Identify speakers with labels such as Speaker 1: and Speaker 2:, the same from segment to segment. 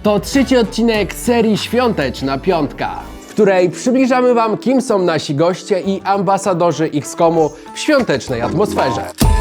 Speaker 1: To trzeci odcinek serii Świąteczna Piątka, w której przybliżamy Wam, kim są nasi goście i ambasadorzy XCOM-u w świątecznej atmosferze.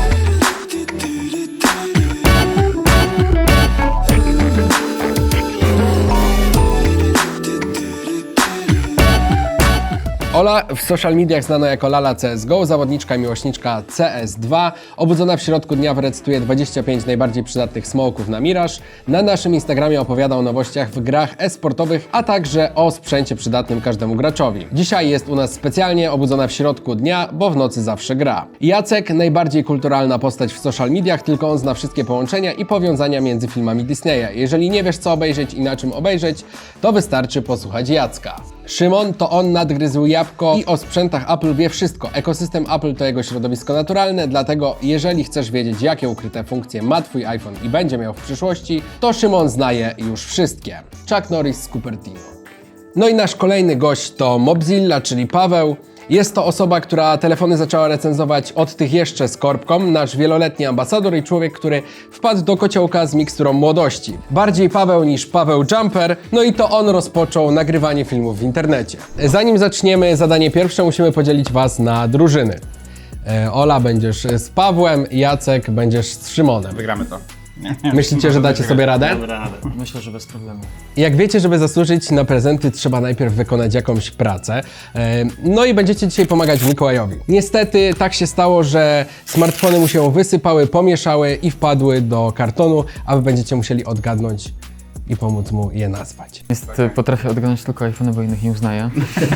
Speaker 1: Ola, w social mediach znana jako Lala CSGO, zawodniczka i miłośniczka CS2, obudzona w środku dnia wyrecytuje 25 najbardziej przydatnych smoków na Mirage. Na naszym Instagramie opowiada o nowościach w grach e-sportowych, a także o sprzęcie przydatnym każdemu graczowi. Dzisiaj jest u nas specjalnie obudzona w środku dnia, bo w nocy zawsze gra. Jacek, najbardziej kulturalna postać w social mediach, tylko on zna wszystkie połączenia i powiązania między filmami Disneya. Jeżeli nie wiesz co obejrzeć i na czym obejrzeć, to wystarczy posłuchać Jacka. Szymon to on nadgryzł jabłko i o sprzętach Apple wie wszystko. Ekosystem Apple to jego środowisko naturalne, dlatego jeżeli chcesz wiedzieć, jakie ukryte funkcje ma Twój iPhone i będzie miał w przyszłości, to Szymon zna je już wszystkie. Chuck Norris z Cupertino. No i nasz kolejny gość to Mobzilla, czyli Paweł. Jest to osoba, która telefony zaczęła recenzować od tych jeszcze z korbką, nasz wieloletni ambasador i człowiek, który wpadł do kociołka z miksturą młodości. Bardziej Paweł niż Paweł Jumper, no i to on rozpoczął nagrywanie filmów w internecie. Zanim zaczniemy zadanie pierwsze, musimy podzielić Was na drużyny. Ola, będziesz z Pawłem, Jacek, będziesz z Szymonem.
Speaker 2: Wygramy to.
Speaker 1: Myślicie, że dacie sobie radę?
Speaker 3: Myślę, że bez problemu.
Speaker 1: Jak wiecie, żeby zasłużyć na prezenty, trzeba najpierw wykonać jakąś pracę. No i będziecie dzisiaj pomagać Mikołajowi. Niestety tak się stało, że smartfony mu się wysypały, pomieszały i wpadły do kartonu, a wy będziecie musieli odgadnąć i pomóc mu je nazwać.
Speaker 3: Potrafię odgadnąć tylko iPhone, bo innych nie uznaję.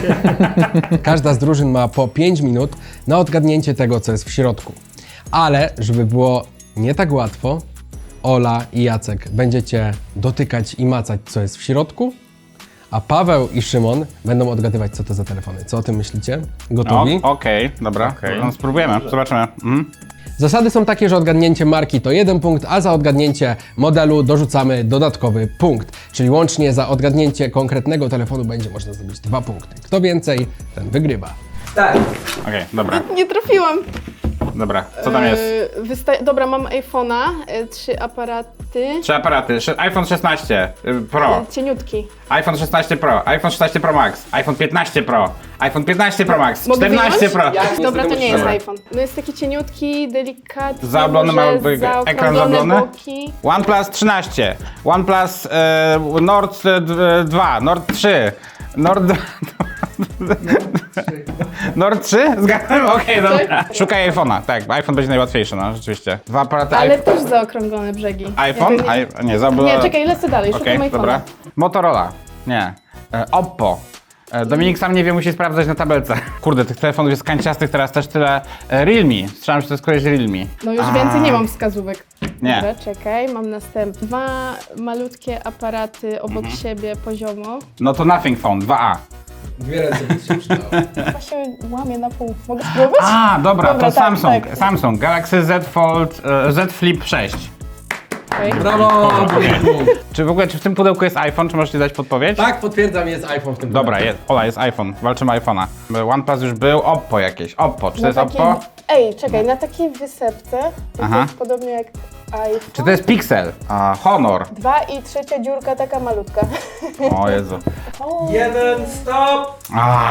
Speaker 1: Każda z drużyn ma po 5 minut na odgadnięcie tego, co jest w środku. Ale żeby było nie tak łatwo, Ola i Jacek będziecie dotykać i macać, co jest w środku, a Paweł i Szymon będą odgadywać, co to za telefony. Co o tym myślicie? Gotowi?
Speaker 2: Okej, dobra. No, spróbujemy, zobaczymy.
Speaker 1: Zasady są takie, że odgadnięcie marki to 1 punkt, a za odgadnięcie modelu dorzucamy dodatkowy punkt. Czyli łącznie za odgadnięcie konkretnego telefonu będzie można zdobyć 2 punkty. Kto więcej, ten wygrywa.
Speaker 2: Okej, dobra.
Speaker 4: Nie trafiłam.
Speaker 2: Dobra, co tam jest?
Speaker 4: Dobra, mam iPhone'a, 3 aparaty.
Speaker 2: 3 aparaty, iPhone 16 Pro,
Speaker 4: Cieniutki.
Speaker 2: iPhone 16 Pro, iPhone 16 Pro Max, iPhone 15 Pro, iPhone 15 Pro Max,
Speaker 4: Mogę
Speaker 2: 14 Pro.
Speaker 4: wyjąć? Dobra, to nie jest
Speaker 2: Dobra.
Speaker 4: iPhone. No jest taki cieniutki, delikatny,
Speaker 2: Zaoblony ma ekran zaoblony.
Speaker 4: boki.
Speaker 2: OnePlus 13, OnePlus Nord 2, Nord 3, Nord 3? Zgadzam? Okej, dobra. Szukaj iPhone'a, tak, iPhone będzie najłatwiejszy, no rzeczywiście. 2 aparaty
Speaker 4: Ale też zaokrąglone brzegi.
Speaker 2: iPhone? Nie, zaoblone.
Speaker 4: Nie, czekaj, lecę dalej, szukam
Speaker 2: Okej,
Speaker 4: iPhone'a.
Speaker 2: dobra. Motorola. Nie. Oppo. Dominik sam nie wie, musi sprawdzać na tabelce. Kurde, tych telefonów jest kanciastych teraz też tyle. Realme. Strzelam, że to jest któreś Realme.
Speaker 4: No już więcej nie mam wskazówek.
Speaker 2: Nie.
Speaker 4: Dobra, czekaj, mam następne. 2 malutkie aparaty obok siebie poziomo.
Speaker 2: No to Nothing Phone, 2A.
Speaker 1: Dwie ręce by się przydało.
Speaker 4: Chyba się łamie na pół. Mogę spróbować?
Speaker 2: A, dobra,
Speaker 4: Dobra,
Speaker 2: to
Speaker 4: tak,
Speaker 2: Samsung.
Speaker 4: tak.
Speaker 2: Samsung Galaxy Z Fold, Z Flip 6.
Speaker 4: Okej.
Speaker 1: Brawo!
Speaker 2: Czy w ogóle, czy w tym pudełku jest iPhone? Czy możecie dać podpowiedź?
Speaker 1: Tak, potwierdzam, jest iPhone w tym
Speaker 2: Dobra,
Speaker 1: pudełku.
Speaker 2: jest. Ola, jest iPhone. Walczymy o iPhone'a. OnePlus już był, Oppo jakieś. Oppo, czy to
Speaker 4: Na
Speaker 2: jest
Speaker 4: takiej-
Speaker 2: Oppo?
Speaker 4: Ej, czekaj, na takiej wysepce, to
Speaker 2: Aha.
Speaker 4: jest podobnie jak iPhone.
Speaker 2: Czy to jest Pixel? Honor.
Speaker 4: 2 i trzecia dziurka taka malutka.
Speaker 2: O Jezu.
Speaker 1: Jeden, stop!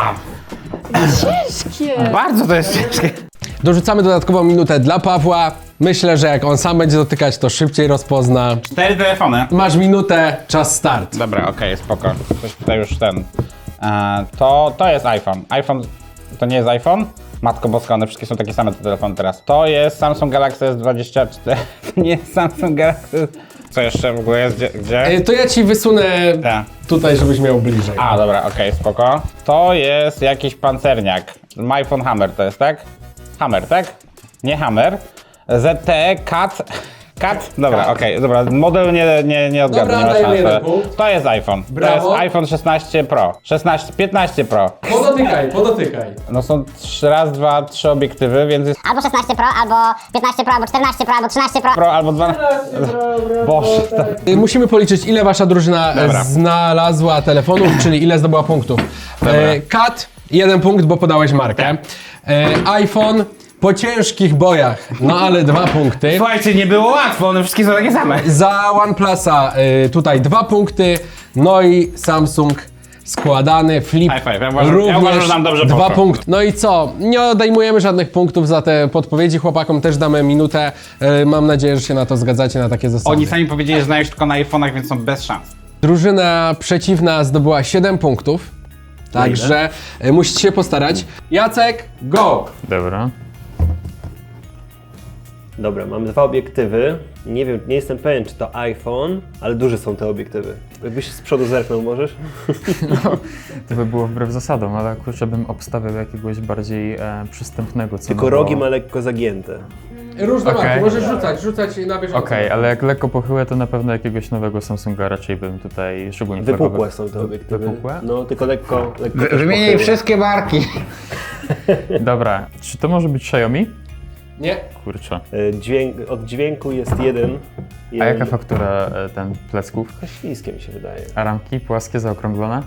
Speaker 4: Ciężkie!
Speaker 2: Bardzo to jest ciężkie.
Speaker 1: Dorzucamy dodatkową minutę dla Pawła. Myślę, że jak on sam będzie dotykać, to szybciej rozpozna.
Speaker 2: 4 telefony.
Speaker 1: Masz minutę, czas start.
Speaker 2: Dobra, okej, spoko. Ktoś tutaj już ten. To jest iPhone. iPhone to nie jest iPhone? Matko boska, one wszystkie są takie same te telefony teraz. To jest Samsung Galaxy S24. To nie jest Samsung Galaxy. Co jeszcze w ogóle jest? Gdzie?
Speaker 1: To ja ci wysunę
Speaker 2: Tak.
Speaker 1: tutaj, żebyś miał bliżej.
Speaker 2: A, dobra, okej, spoko. To jest jakiś pancerniak. iPhone Hammer to jest, tak? Hammer, tak? Nie Hammer. ZTE Cat. Dobra, okej, dobra. Model nie odgadnę,
Speaker 1: Dobra,
Speaker 2: nie ma
Speaker 1: dajmy jeden
Speaker 2: szans.
Speaker 1: punkt.
Speaker 2: To jest iPhone.
Speaker 1: Brawo.
Speaker 2: To jest iPhone 16 Pro. 15 Pro.
Speaker 1: Podotykaj.
Speaker 2: No są 3 obiektywy, więc jest
Speaker 5: Albo 16 Pro, albo 15 Pro, albo 14 Pro, albo 13 Pro.
Speaker 2: Pro albo 12. Boże,
Speaker 1: Musimy policzyć, ile wasza drużyna
Speaker 2: Dobra.
Speaker 1: znalazła telefonów, czyli ile zdobyła punktów.
Speaker 2: Dobra.
Speaker 1: Kat, 1 punkt, bo podałeś markę. iPhone, Po ciężkich bojach, no ale 2 punkty.
Speaker 2: Słuchajcie, nie było łatwo, one wszystkie są takie same.
Speaker 1: Za OnePlusa tutaj 2 punkty, no i Samsung składany, Flip
Speaker 2: High five. Ja uważam,
Speaker 1: również
Speaker 2: że nam dobrze
Speaker 1: 2
Speaker 2: poszło.
Speaker 1: punkty. No i co? Nie odejmujemy żadnych punktów za te podpowiedzi, chłopakom też damy minutę. Mam nadzieję, że się na to zgadzacie, na takie zasady.
Speaker 2: Oni sami powiedzieli, że znają się tylko na iPhone'ach, więc są bez szans.
Speaker 1: Drużyna przeciwna zdobyła 7 punktów, także musicie się postarać. Jacek, go!
Speaker 3: Dobra.
Speaker 6: Dobra, mam 2 obiektywy. Nie wiem, nie jestem pewien, czy to iPhone, ale duże są te obiektywy. Jakbyś z przodu zerknął, możesz?
Speaker 3: To by było wbrew zasadom, ale kurczę bym obstawiał jakiegoś bardziej przystępnego cenowo.
Speaker 6: Tylko rogi ma lekko zagięte.
Speaker 1: Różne
Speaker 3: Okej.
Speaker 1: marki, możesz rzucać na bieżąco.
Speaker 3: Okej, ale jak lekko pochyłe, to na pewno jakiegoś nowego Samsunga raczej bym tutaj szczególnie
Speaker 6: Wypukłe są te obiektywy.
Speaker 3: Wypukłe?
Speaker 6: No, tylko lekko też
Speaker 2: Wymieniaj
Speaker 6: pochyłe.
Speaker 2: wszystkie marki.
Speaker 3: Dobra, czy to może być Xiaomi?
Speaker 1: Nie.
Speaker 3: Kurczę.
Speaker 6: Od dźwięku jest jeden.
Speaker 3: A jaka faktura ten plecków?
Speaker 6: Śliskie mi się wydaje.
Speaker 3: A ramki płaskie, zaokrąglone?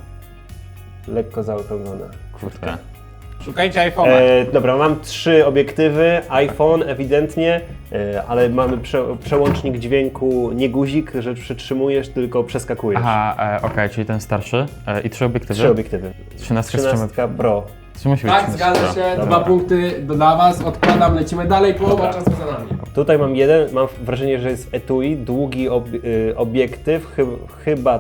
Speaker 6: Lekko zaokrąglone.
Speaker 3: Kurde.
Speaker 2: Szukajcie iPhone'a.
Speaker 6: Dobra, mam 3 obiektywy, iPhone ewidentnie, ale mamy przełącznik dźwięku, nie guzik, że przytrzymujesz, tylko przeskakujesz.
Speaker 3: Aha, okej, czyli ten starszy i 3 obiektywy.
Speaker 6: 3 obiektywy.
Speaker 3: 13 z czym?
Speaker 6: 13 Pro.
Speaker 3: Czy musi być
Speaker 1: Tak,
Speaker 3: 13?
Speaker 1: zgadza się, 2 punkty dla was, odkładam, lecimy dalej, połowa czasu za nami.
Speaker 6: Tutaj mam jeden, mam wrażenie, że jest etui, długi obiektyw, chyba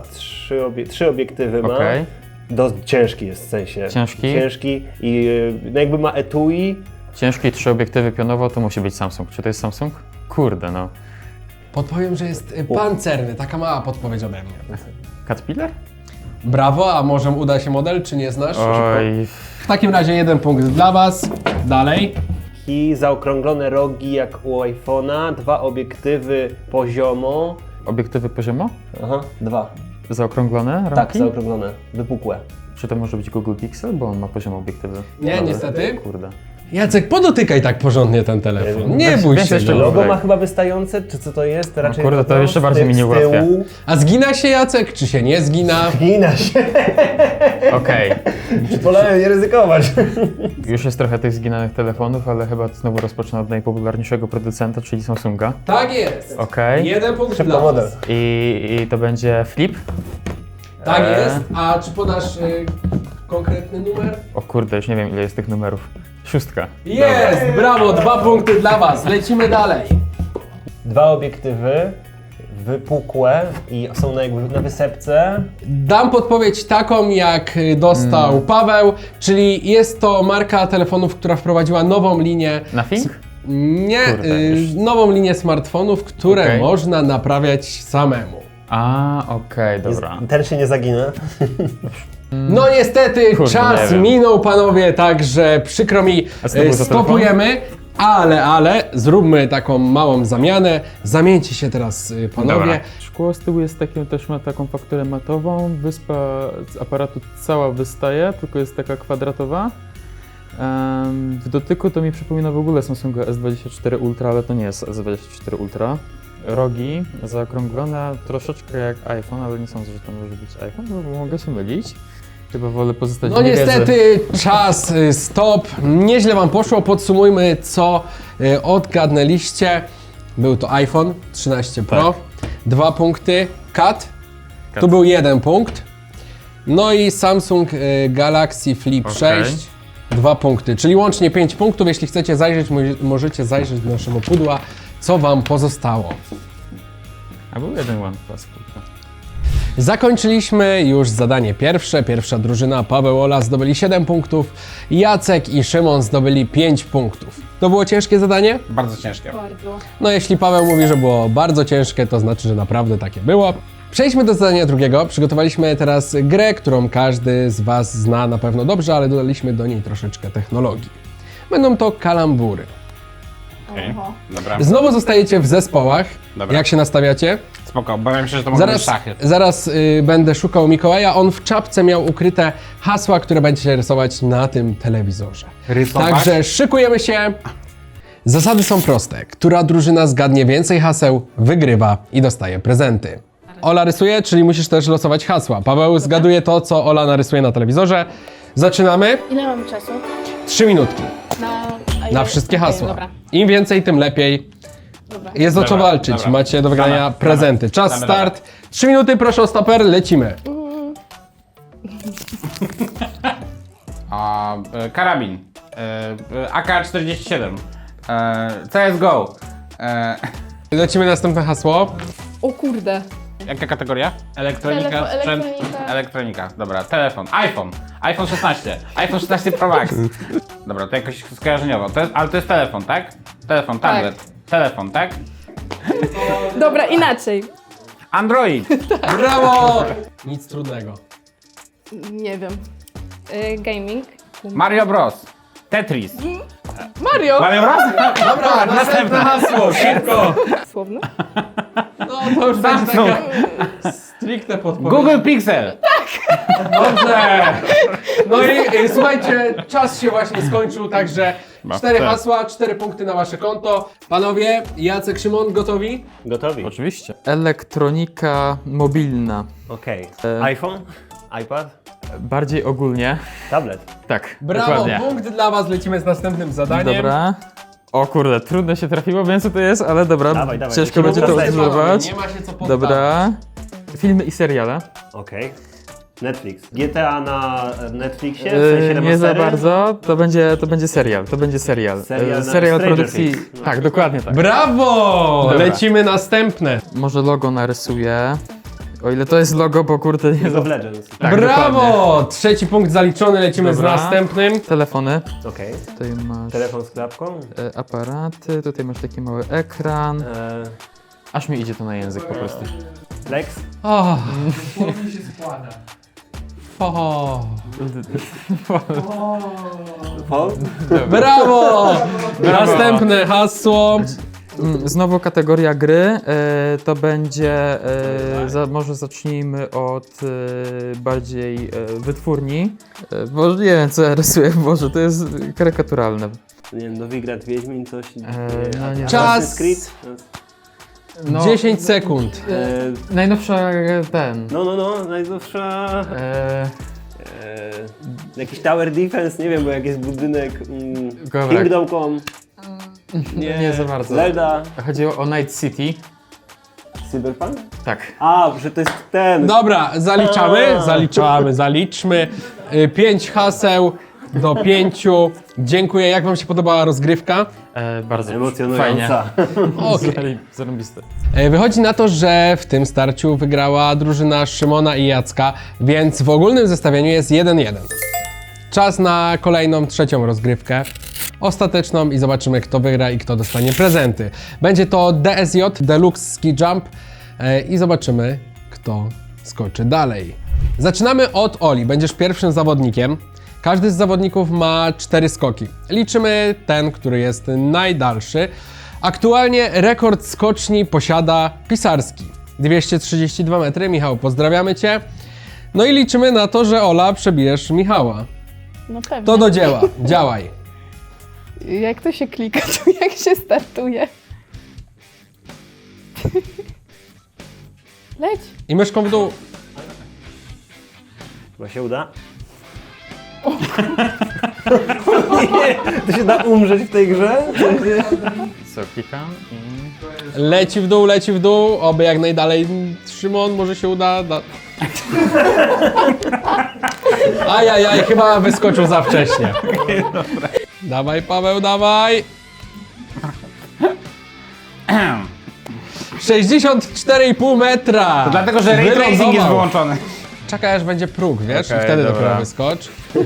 Speaker 6: 3 obiektywy ma.
Speaker 3: Okej.
Speaker 6: Dość ciężki jest w sensie.
Speaker 3: Ciężki?
Speaker 6: Ciężki i no jakby ma etui.
Speaker 3: Ciężki, 3 obiektywy pionowo, to musi być Samsung. Czy to jest Samsung? Kurde, no.
Speaker 1: Podpowiem, że jest pancerny, taka mała podpowiedź ode mnie.
Speaker 3: Caterpillar?
Speaker 1: Brawo, a może uda się model, czy nie znasz?
Speaker 3: Oj,
Speaker 1: W takim razie 1 punkt dla was, dalej.
Speaker 6: I zaokrąglone rogi jak u iPhone'a, 2 obiektywy poziomo.
Speaker 3: obiektywy poziomo?
Speaker 6: Aha, 2.
Speaker 3: Zaokrąglone ramki?
Speaker 6: Tak, zaokrąglone, wypukłe.
Speaker 3: Czy to może być Google Pixel, bo on ma poziom obiektywy?
Speaker 1: Nie,
Speaker 3: Dobra.
Speaker 1: niestety.
Speaker 3: Kurde.
Speaker 1: Jacek, podotykaj tak porządnie ten telefon. Nie
Speaker 3: Weź-
Speaker 1: bój
Speaker 3: weź
Speaker 1: się.
Speaker 3: jeszcze
Speaker 1: No.
Speaker 3: go.
Speaker 6: Logo ma chyba wystające, czy co to jest? Raczej
Speaker 3: kurde, to
Speaker 6: logo
Speaker 3: jeszcze bardziej mi nie
Speaker 6: z tyłu.
Speaker 3: ułatwia.
Speaker 1: A zgina się Jacek, czy się nie zgina?
Speaker 6: Gina się.
Speaker 3: Okej.
Speaker 6: Wolałem nie ryzykować.
Speaker 3: Już jest trochę tych zginanych telefonów, ale chyba znowu rozpocznę od najpopularniejszego producenta, czyli Samsunga.
Speaker 1: Tak jest.
Speaker 3: Okej.
Speaker 1: 1 punkt
Speaker 6: Szybko
Speaker 1: dla
Speaker 6: model.
Speaker 1: was.
Speaker 3: I to będzie Flip.
Speaker 1: Tak jest. A czy podasz konkretny numer?
Speaker 3: O kurde, już nie wiem ile jest tych numerów. 6.
Speaker 1: Jest! Brawo, 2 punkty dla was. Lecimy dalej.
Speaker 6: 2 obiektywy, wypukłe i są jakby na wysepce.
Speaker 1: Dam podpowiedź taką, jak dostał Paweł, czyli jest to marka telefonów, która wprowadziła nową linię.
Speaker 3: Nothing?
Speaker 1: Nie,
Speaker 3: Kurde, już.
Speaker 1: nową linię smartfonów, które
Speaker 3: Okej.
Speaker 1: można naprawiać samemu.
Speaker 3: A, okej, dobra.
Speaker 6: Ten się nie zagina.
Speaker 1: No niestety,
Speaker 3: Kurde,
Speaker 1: czas
Speaker 3: nie wiem.
Speaker 1: minął, panowie, także przykro mi,
Speaker 3: A co to był za
Speaker 1: stopujemy, ale zróbmy taką małą zamianę. Zamieńcie się teraz, panowie.
Speaker 3: Dobra.
Speaker 7: Szkło z tyłu jest takie, też ma taką fakturę matową, wyspa z aparatu cała wystaje, tylko jest taka kwadratowa. W dotyku to mi przypomina w ogóle Samsunga S24 Ultra, ale to nie jest S24 Ultra. Rogi zaokrąglone troszeczkę jak iPhone, ale nie sądzę, że to może być iPhone, bo mogę się mylić. Chyba wolę pozostać
Speaker 1: No
Speaker 7: w niewiedzy.
Speaker 1: niestety, czas, stop. Nieźle wam poszło. Podsumujmy, co odgadnęliście. Był to iPhone 13 Pro, 2 punkty, Cat, tu był 1 punkt. No i Samsung Galaxy Flip
Speaker 3: Okej.
Speaker 1: 6, 2 punkty, czyli łącznie 5 punktów. Jeśli chcecie zajrzeć, możecie zajrzeć do naszego pudła, co wam pozostało.
Speaker 3: A był jeden OnePlus, kurde.
Speaker 1: Zakończyliśmy już zadanie pierwsze. Pierwsza drużyna, Paweł, Ola zdobyli 7 punktów, Jacek i Szymon zdobyli 5 punktów. To było ciężkie zadanie?
Speaker 2: Bardzo ciężkie.
Speaker 4: Bardzo.
Speaker 1: No jeśli Paweł mówi, że było bardzo ciężkie, to znaczy, że naprawdę takie było. Przejdźmy do zadania drugiego. Przygotowaliśmy teraz grę, którą każdy z was zna na pewno dobrze, ale dodaliśmy do niej troszeczkę technologii. Będą to kalambury.
Speaker 2: Okej,
Speaker 4: Oho.
Speaker 2: dobra.
Speaker 1: Znowu zostajecie w zespołach.
Speaker 2: Dobra.
Speaker 1: Jak się nastawiacie?
Speaker 2: Spoko, obawiam się, że to mogą być szachy.
Speaker 1: Zaraz będę szukał Mikołaja. On w czapce miał ukryte hasła, które będziecie rysować na tym telewizorze.
Speaker 2: Rysować?
Speaker 1: Także szykujemy się. Zasady są proste. Która drużyna zgadnie więcej haseł, wygrywa i dostaje prezenty. Ola rysuje, czyli musisz też losować hasła. Paweł zgaduje to, co Ola narysuje na telewizorze. Zaczynamy.
Speaker 4: Ile mamy czasu?
Speaker 1: 3 minutki.
Speaker 4: Na
Speaker 1: Na wszystkie
Speaker 4: Okej,
Speaker 1: hasła.
Speaker 4: dobra.
Speaker 1: Im więcej, tym lepiej.
Speaker 4: Dobra.
Speaker 1: Jest o co
Speaker 2: Dobra,
Speaker 1: walczyć.
Speaker 2: dobra.
Speaker 1: Macie do wygrania
Speaker 2: Damy,
Speaker 1: prezenty. Czas
Speaker 2: damy,
Speaker 1: start. 3 minuty, proszę o stoper, lecimy.
Speaker 2: Karabin. AK-47. CSGO.
Speaker 1: Lecimy następne hasło.
Speaker 4: O kurde.
Speaker 2: Jaka kategoria? Elektronika,
Speaker 4: Telefon,
Speaker 2: sprzęt,
Speaker 4: elektronika.
Speaker 2: elektronika. Dobra, telefon, iPhone 16, iPhone 16 Pro Max. Dobra, to jakoś skojarzeniowo, ale to jest telefon, tak? Telefon, tablet, telefon, tak?
Speaker 4: Dobra, inaczej.
Speaker 2: Android,
Speaker 1: Brawo! Nic trudnego.
Speaker 4: Nie wiem. Gaming.
Speaker 2: Mario Bros, Tetris.
Speaker 4: Mario!
Speaker 2: Mario Bros?
Speaker 1: Dobra, następne hasło, szybko.
Speaker 4: Słowne?
Speaker 1: No to już będzie
Speaker 2: Samsung.
Speaker 1: taka stricte podpowiedź.
Speaker 2: Google Pixel.
Speaker 1: Dobrze! No i słuchajcie, czas się właśnie skończył, także 4 hasła, 4 punkty na wasze konto. Panowie, Jacek, Szymon, gotowi?
Speaker 6: Gotowi?
Speaker 3: Oczywiście. Elektronika mobilna.
Speaker 6: Okej. iPhone? iPad?
Speaker 3: Bardziej ogólnie.
Speaker 6: Tablet?
Speaker 3: Tak,
Speaker 1: Brawo,
Speaker 3: dokładnie.
Speaker 1: punkt dla was, lecimy z następnym zadaniem.
Speaker 3: Dobra. O kurde, trudno się trafiło, wiem co to jest, ale dobra,
Speaker 6: Dawaj, dawaj,
Speaker 3: ciężko
Speaker 6: lecimy
Speaker 3: będzie to
Speaker 6: po kolei.
Speaker 3: odwzorować.
Speaker 1: Nie ma się co poddawać.
Speaker 3: Dobra. Filmy i seriale.
Speaker 6: Okej. Netflix. GTA na Netflixie? W sensie
Speaker 3: Nie
Speaker 6: remastery?
Speaker 3: za bardzo, to będzie serial, to będzie serial.
Speaker 6: Serial na
Speaker 3: Serial
Speaker 6: Stranger
Speaker 3: produkcji,
Speaker 6: Things. No.
Speaker 3: tak, dokładnie tak.
Speaker 1: Brawo!
Speaker 3: Dobra.
Speaker 1: Lecimy następne.
Speaker 3: Może logo narysuję, o ile to jest logo, bo kurde nie
Speaker 6: League
Speaker 3: za...
Speaker 6: of Legends.
Speaker 3: Tak,
Speaker 1: Brawo! Trzeci punkt zaliczony, lecimy
Speaker 3: Dobra.
Speaker 1: z następnym.
Speaker 3: Telefony,
Speaker 6: Okej.
Speaker 3: tutaj masz
Speaker 6: Telefon z klapką?
Speaker 3: aparaty, tutaj masz taki mały ekran.
Speaker 6: E,
Speaker 3: Aż mi idzie to na język po prostu.
Speaker 6: Flex?
Speaker 1: O, mi się składa. O,
Speaker 6: Phone?
Speaker 1: brawo! Następne hasło.
Speaker 3: Znowu kategoria gry, to będzie, może zacznijmy od bardziej wytwórni. Boże, nie wiem co ja rysuję, Boże, to jest karykaturalne.
Speaker 6: Nie wiem, Nowigrad, Wiedźmin, coś?
Speaker 3: no nie.
Speaker 1: Czas.
Speaker 6: Assassin's Creed?
Speaker 3: No,
Speaker 1: 10 sekund.
Speaker 3: najnowsza ten.
Speaker 6: No, najdłuższa...
Speaker 3: E,
Speaker 6: Jakiś Tower Defense, nie wiem, bo jak jest budynek...
Speaker 3: Dobra.
Speaker 6: Kingdom Come.
Speaker 3: nie za bardzo.
Speaker 6: Zelda.
Speaker 3: Chodziło o Night City.
Speaker 6: Cyberpunk?
Speaker 3: Tak.
Speaker 6: A, że to jest ten...
Speaker 1: Dobra, zaliczmy. 5 haseł do 5. Dziękuję. Jak wam się podobała rozgrywka?
Speaker 3: Bardzo
Speaker 6: Emocjonująca.
Speaker 1: Okej.
Speaker 3: Zarąbiste.
Speaker 1: Wychodzi na to, że w tym starciu wygrała drużyna Szymona i Jacka, więc w ogólnym zestawieniu jest 1-1. Czas na kolejną, trzecią rozgrywkę, ostateczną i zobaczymy, kto wygra i kto dostanie prezenty. Będzie to DSJ, Deluxe Ski Jump i zobaczymy, kto skoczy dalej. Zaczynamy od Oli, będziesz pierwszym zawodnikiem. Każdy z zawodników ma 4 skoki. Liczymy ten, który jest najdalszy. Aktualnie rekord skoczni posiada Pisarski. 232 metry. Michał, pozdrawiamy Cię. No i liczymy na to, że Ola przebijesz Michała.
Speaker 4: No pewnie.
Speaker 1: To do dzieła. Działaj.
Speaker 4: Jak to się klika, to jak się startuje? Leć.
Speaker 1: I myszką w dół.
Speaker 6: Chyba się uda. Nie, to się da umrzeć w tej grze?
Speaker 3: Co, klikam i...
Speaker 1: Leci w dół. Oby jak najdalej. Szymon, może się uda. Ajajaj, chyba wyskoczył za wcześnie. Dawaj, Paweł, dawaj. 64,5 metra.
Speaker 2: To dlatego, że ray tracing jest
Speaker 1: Wylądował.
Speaker 2: wyłączony.
Speaker 1: Czekaj, aż będzie próg, wiesz? I
Speaker 3: Okej,
Speaker 1: wtedy
Speaker 3: dobra.
Speaker 1: dopiero wyskocz.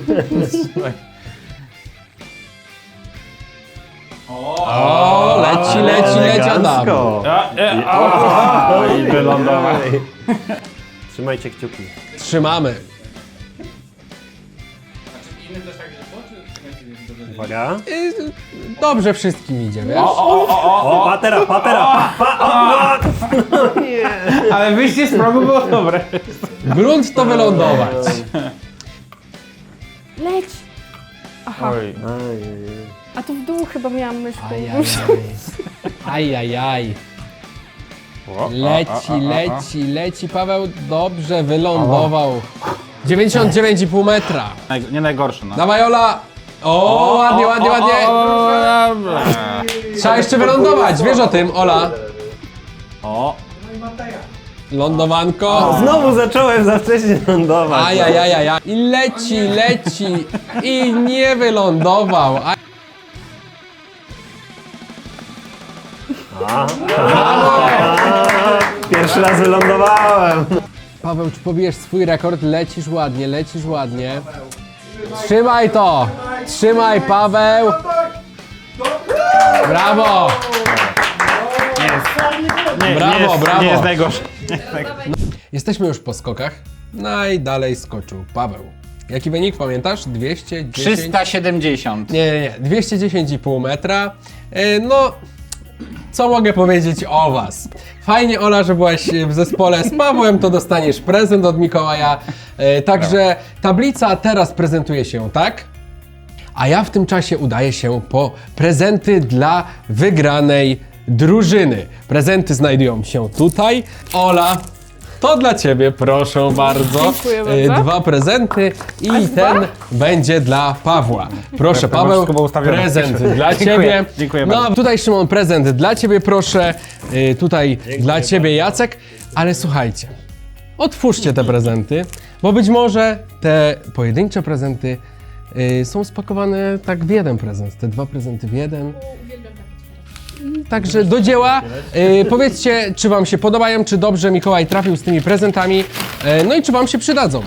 Speaker 1: O, leci Adam.
Speaker 6: Elegancko.
Speaker 2: I wylądował.
Speaker 6: Trzymajcie kciuki.
Speaker 1: Trzymamy.
Speaker 6: Uwaga.
Speaker 1: Dobrze wszystkim idzie, wiesz?
Speaker 6: O, patera!
Speaker 2: Ale wyjście z progu było dobre.
Speaker 1: Grunt to wylądować.
Speaker 4: Leć. Aha.
Speaker 3: Oj,
Speaker 4: A tu w dół chyba miałam myszkę.
Speaker 1: Ajajaj. Leci. Paweł dobrze wylądował. 99,5 metra.
Speaker 2: Nie najgorsze, no.
Speaker 1: Dawaj, Ola. O, ładnie, ładnie, ładnie. Trzeba jeszcze wylądować, wiesz o tym, Ola.
Speaker 2: O,
Speaker 1: Lądowanko.
Speaker 6: Znowu zacząłem za wcześnie lądować.
Speaker 1: Ajajajaja. I leci, leci. I nie wylądował.
Speaker 6: Pierwszy raz wylądowałem.
Speaker 1: Paweł, czy pobijesz swój rekord? Lecisz ładnie, lecisz ładnie. Trzymaj to! Trzymaj, Paweł! Brawo! Brawo, brawo.
Speaker 2: Nie jest najgorszy.
Speaker 1: Jesteśmy już po skokach. Najdalej skoczył Paweł. Jaki wynik pamiętasz? 210?
Speaker 2: 370.
Speaker 1: Nie. 210,5 metra. No, co mogę powiedzieć o was? Fajnie, Ola, że byłaś w zespole z Pawłem, to dostaniesz prezent od Mikołaja. Także tablica teraz prezentuje się tak. A ja w tym czasie udaję się po prezenty dla wygranej drużyny. Prezenty znajdują się tutaj. Ola, to dla ciebie, proszę bardzo.
Speaker 4: Dziękuję bardzo.
Speaker 1: 2 prezenty i
Speaker 4: Aż dwa?
Speaker 1: ten będzie dla Pawła. Proszę,
Speaker 2: To masz
Speaker 1: Paweł,
Speaker 2: chyba ustawione.
Speaker 1: prezent dla
Speaker 2: Dziękuję,
Speaker 1: ciebie.
Speaker 2: dziękuję
Speaker 1: No,
Speaker 2: bardzo.
Speaker 1: tutaj Szymon, prezent dla ciebie, proszę. Tutaj dla ciebie, Jacek. Ale słuchajcie, otwórzcie te prezenty, bo być może te pojedyncze prezenty są spakowane tak w jeden prezent. Te 2 prezenty w jeden. Także do dzieła. Powiedzcie, czy wam się podobają, czy dobrze Mikołaj trafił z tymi prezentami, no i czy wam się przydadzą.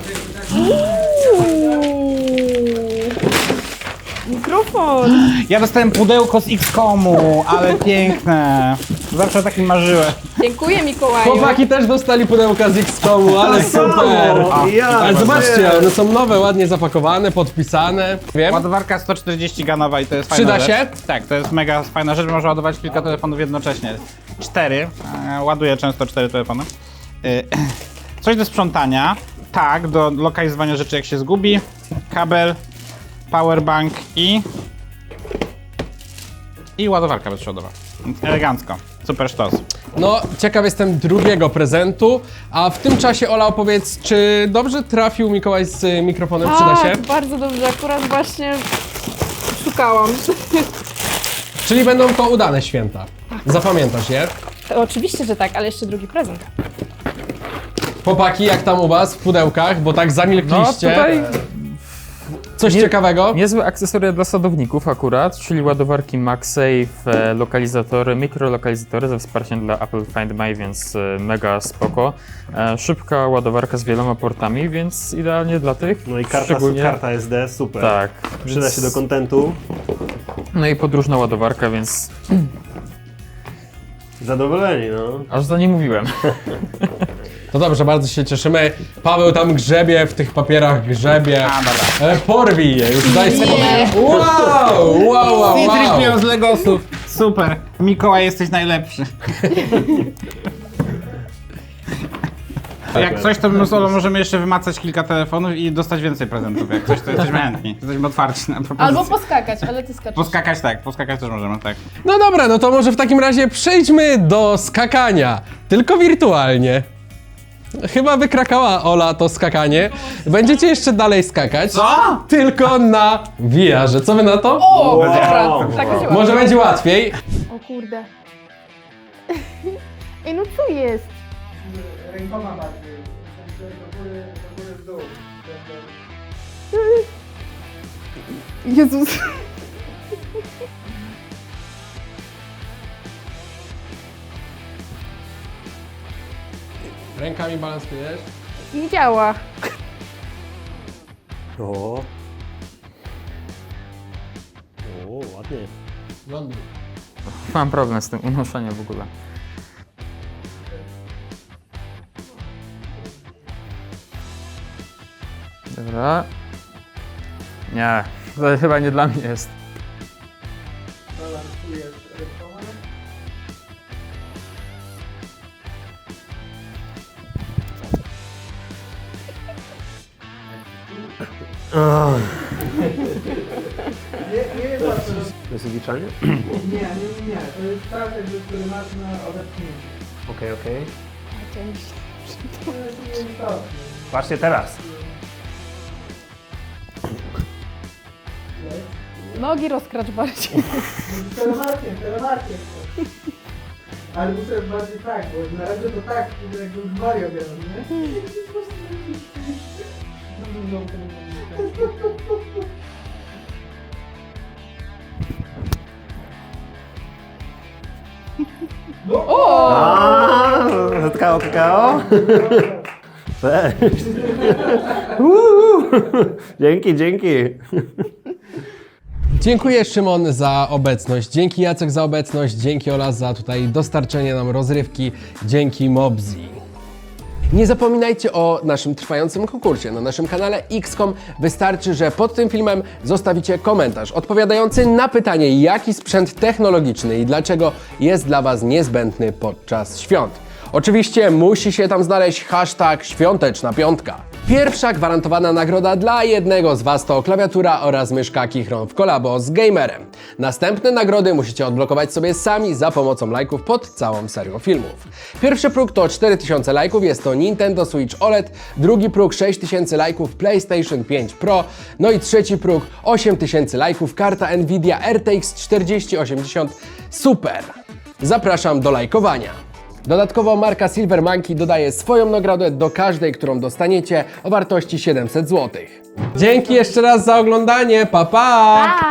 Speaker 4: Mikrofon.
Speaker 2: Ja dostałem pudełko z X-Komu, ale piękne. Zawsze o takim marzyłem.
Speaker 4: Dziękuję, Mikołaju.
Speaker 1: Chłopaki też dostali pudełka z X-Komu, ale super! Ale zobaczcie, one są nowe, ładnie zapakowane, podpisane. Wiem.
Speaker 2: Ładowarka 140 ganowa i to jest fajna
Speaker 1: Przyda
Speaker 2: rzecz.
Speaker 1: się?
Speaker 2: Tak, to jest mega fajna rzecz, można ładować kilka telefonów jednocześnie. 4, ładuję często 4 telefony. Coś do sprzątania, tak, do lokalizowania rzeczy jak się zgubi, kabel, powerbank i ładowarka bezprzewodowa. Elegancko, super sztos.
Speaker 1: No, ciekaw jestem drugiego prezentu, a w tym czasie Ola, opowiedz, czy dobrze trafił Mikołaj z mikrofonem, przyda się?
Speaker 4: Tak, bardzo dobrze. Akurat właśnie szukałam.
Speaker 1: Czyli będą to udane święta. Zapamiętasz je?
Speaker 4: Oczywiście, że tak, ale jeszcze drugi prezent.
Speaker 1: Chłopaki, jak tam u was w pudełkach, bo tak
Speaker 3: No
Speaker 1: zamilkliście.
Speaker 3: tutaj
Speaker 1: Coś ciekawego?
Speaker 3: niezłe akcesoria dla sadowników akurat, czyli ładowarki MagSafe, lokalizatory, mikrolokalizatory ze wsparciem dla Apple Find My, więc mega spoko. Szybka ładowarka z wieloma portami, więc idealnie dla tych.
Speaker 6: No i karta,
Speaker 3: szczególnie...
Speaker 6: karta SD, super.
Speaker 3: Tak.
Speaker 6: Przyda
Speaker 3: więc-
Speaker 6: się do kontentu.
Speaker 3: No i podróżna ładowarka, więc
Speaker 6: Zadowoleni, no.
Speaker 3: aż za nie mówiłem.
Speaker 1: No dobrze, bardzo się cieszymy. Paweł tam grzebie, w tych papierach grzebie.
Speaker 2: A, dobra.
Speaker 1: Porwij je, już daj spokój. Wow!
Speaker 2: C-3PO z Legosów, super. Mikołaj, jesteś najlepszy. Jak coś, to my z Olą możemy jeszcze wymacać kilka telefonów i dostać więcej prezentów. Jak coś, to jesteśmy chętni. Jesteśmy otwarci na propozycje.
Speaker 4: Albo poskakać, ale ty skaczesz.
Speaker 2: Poskakać tak, poskakać też możemy, tak.
Speaker 1: No dobra, no to może w takim razie przejdźmy do skakania. Tylko wirtualnie. Chyba wykrakała Ola to skakanie. Będziecie jeszcze dalej skakać.
Speaker 2: Co?
Speaker 1: Tylko na VR-ze. Co wy na to?
Speaker 4: O,
Speaker 6: Będzie-
Speaker 4: dobra,
Speaker 6: o,
Speaker 4: tak
Speaker 6: wow.
Speaker 4: się
Speaker 1: Może będzie łatwiej.
Speaker 4: O kurde. Ej, no co jest?
Speaker 8: Rękoma bardziej, w sensie do góry w dół.
Speaker 4: Jezus.
Speaker 1: Rękami balansujesz.
Speaker 4: Nie działa.
Speaker 6: O. O, ładnie.
Speaker 1: Ląduj.
Speaker 3: Mam problem z tym unoszeniem w ogóle. Dobra. Nie, to chyba nie dla mnie jest.
Speaker 8: Balansujesz rękoma. Nie wiem co to jest.
Speaker 6: To jest odliczanie?
Speaker 8: Nie. To jest czas jakby, który masz na odepchnięcie.
Speaker 6: Okej.
Speaker 8: To jest nieistotne.
Speaker 6: Patrzcie teraz.
Speaker 8: Jest.
Speaker 4: Nogi rozkracz bardziej.
Speaker 8: Telemarkiem. Ale muszę bardziej tak, bo na razie to tak, jakbym z Mario grał, nie?
Speaker 6: Kakao? Cześć. Dzięki.
Speaker 1: Dziękuję Szymon za obecność, dzięki Jacek za obecność, dzięki Ola za tutaj dostarczenie nam rozrywki, dzięki Mobzi. Nie zapominajcie o naszym trwającym konkursie na naszym kanale XCOM. Wystarczy, że pod tym filmem zostawicie komentarz odpowiadający na pytanie, jaki sprzęt technologiczny i dlaczego jest dla Was niezbędny podczas świąt. Oczywiście musi się tam znaleźć hashtag świąteczna piątka. Pierwsza gwarantowana nagroda dla jednego z Was to klawiatura oraz myszka Kichron w kolabo z Gamerem. Następne nagrody musicie odblokować sobie sami za pomocą lajków pod całą serią filmów. Pierwszy próg to 4000 lajków, jest to Nintendo Switch OLED, drugi próg 6000 lajków PlayStation 5 Pro, no i trzeci próg 8000 lajków karta Nvidia RTX 4080 Super. Zapraszam do lajkowania. Dodatkowo marka Silver Monkey dodaje swoją nagrodę do każdej, którą dostaniecie o wartości 700 zł. Dzięki jeszcze raz za oglądanie, pa pa!
Speaker 5: Pa!